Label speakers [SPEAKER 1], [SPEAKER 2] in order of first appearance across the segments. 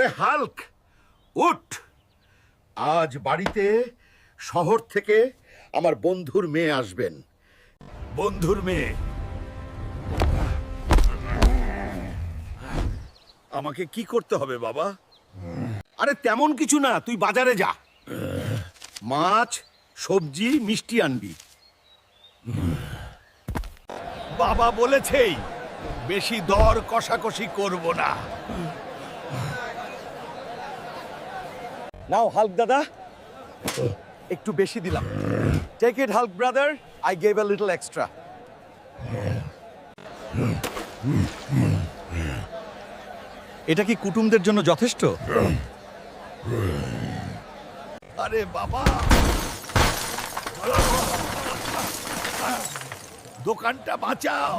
[SPEAKER 1] ওরে হাল্ক, উঠ। আজ বাড়িতে শহর থেকে আমার বন্ধুর মেয়ে আসবেন। বন্ধুর মেয়ে? আমাকে কি করতে হবে বাবা? আরে তেমন কিছু না, তুই বাজারে যা, মাছ, সবজি, মিষ্টি আনবি। বাবা বলেছেই বেশি দর কষাকষি করব না।
[SPEAKER 2] নাও হাল্ক দাদা, একটু বেশি দিলাম। Take it Hulk brother, I gave a little extra. এটা কি কুটুমদের জন্য যথেষ্ট?
[SPEAKER 1] আরে বাবা, দোকানটা বাঁচাও।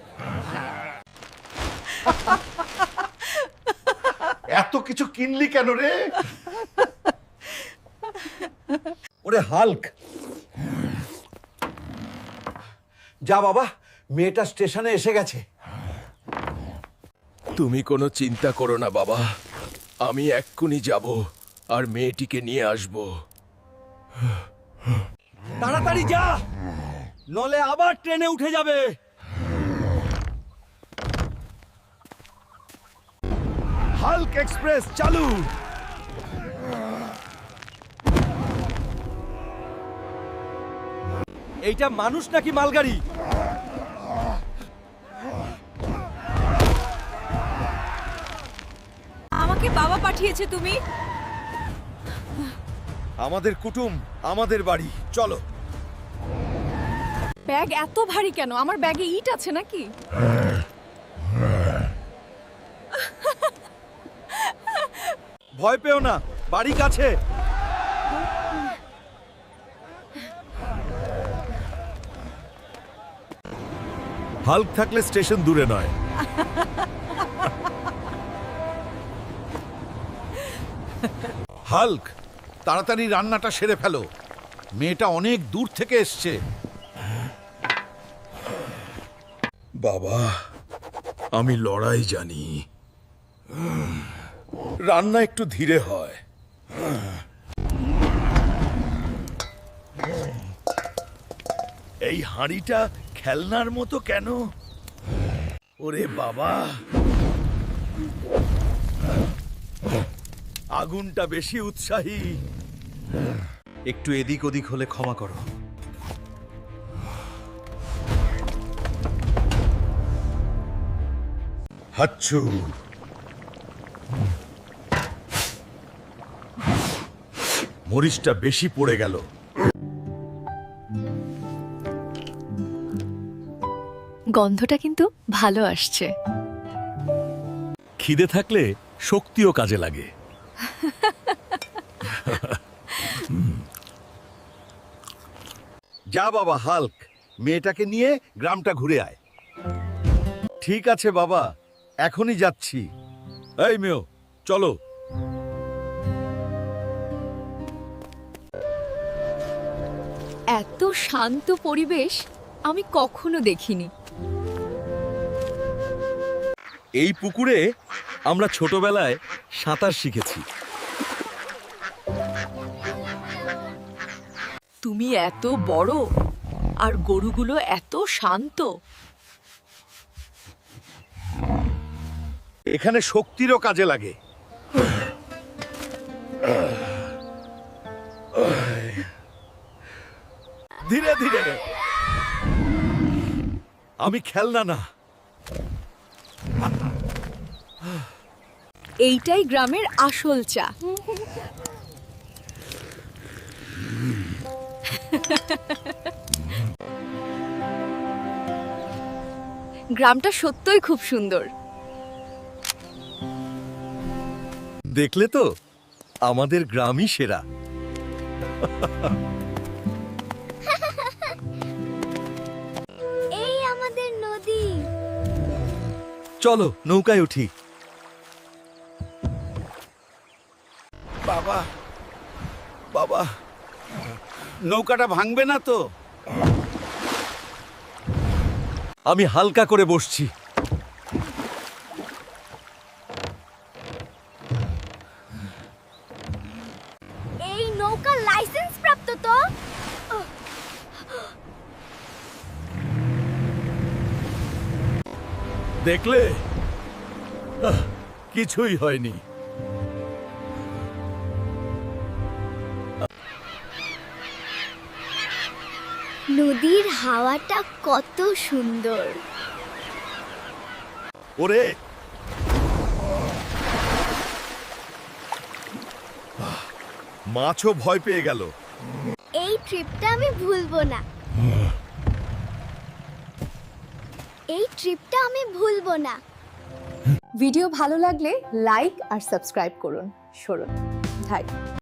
[SPEAKER 1] এত কিছু কিনলি কেন রে?
[SPEAKER 2] ওরে হাল্ক, যা বাবা, মেয়েটা স্টেশনে এসে গেছে।
[SPEAKER 3] তুমি কোনো চিন্তা করো না বাবা, আমি এক্ষুনি যাব আর মেয়েটিকে নিয়ে আসব।
[SPEAKER 2] তাড়াতাড়ি যা, নলে আবার ট্রেনে উঠে যাবে।
[SPEAKER 1] হাল্ক এক্সপ্রেস চালু।
[SPEAKER 2] এইটা মানুষ নাকি মালগাড়ি?
[SPEAKER 4] আমাকে বাবা পাঠিয়েছে তুমি?
[SPEAKER 2] আমাদের কুটুম, আমাদের বাড়ি, চলো।
[SPEAKER 4] ব্যাগ এত ভারী কেন? আমার ব্যাগে ইট আছে নাকি?
[SPEAKER 2] ভয় পেও না, বাড়ি কাছে।
[SPEAKER 1] হাল্ক থাকলে স্টেশন দূরে নয়। হাল্ক, তাড়াতাড়ি রান্নাটা সেরে ফেলো, মেয়েটা অনেক দূর থেকে এসছে। বাবা, আমি লড়াই জানি, রান্না একটু ধীরে হয়। এই হাঁড়িটা খেলনার মতো কেন? ওরে বাবা, আগুনটা বেশি উৎসাহী।
[SPEAKER 2] একটু এদিক ওদিক হলে ক্ষমা করো।
[SPEAKER 1] হাচ্ছু, মরিচটা বেশি পড়ে গেল।
[SPEAKER 4] গন্ধটা কিন্তু ভালো আসছে।
[SPEAKER 1] খিদে থাকলে শক্তিও কাজে লাগে। যা বাবা হাল্ক, মেয়েটাকে নিয়ে গ্রামটা ঘুরে আয়। ঠিক আছে বাবা, এখনই যাচ্ছি। এই মেয়ে, চলো।
[SPEAKER 4] এত শান্ত পরিবেশ আমি কখনো দেখিনি।
[SPEAKER 2] এই পুকুরে আমরা ছোটবেলায় সাঁতার শিখেছি।
[SPEAKER 4] তুমি এত বড় আর গরুগুলো এত শান্ত।
[SPEAKER 1] এখানে শক্তিরও কাজে লাগে। ধীরে ধীরে। আমি খেলনা না।
[SPEAKER 4] এইটাই গ্রামের আসল চা। গ্রামটা সত্যই খুব সুন্দর।
[SPEAKER 2] দেখলে তো, আমাদের গ্রামই সেরা।
[SPEAKER 5] এই আমাদের নদী।
[SPEAKER 2] চলো নৌকায় উঠি।
[SPEAKER 1] বাবা, বাবা, নৌকাটা ভাঙবে না তো?
[SPEAKER 2] আমি হালকা করে বসছি।
[SPEAKER 1] দেখলে কিছুই হয়নি।
[SPEAKER 5] নদীর হাওয়াটা কত সুন্দর।
[SPEAKER 1] ওরে মাছও ভয় পেয়ে গেল।
[SPEAKER 5] এই ট্রিপটা আমি ভুলবো না। এই ট্রিপটা আমি ভুলবো না।
[SPEAKER 6] ভিডিও ভালো লাগলে লাইক আর সাবস্ক্রাইব করুন। সরুন, ধাই।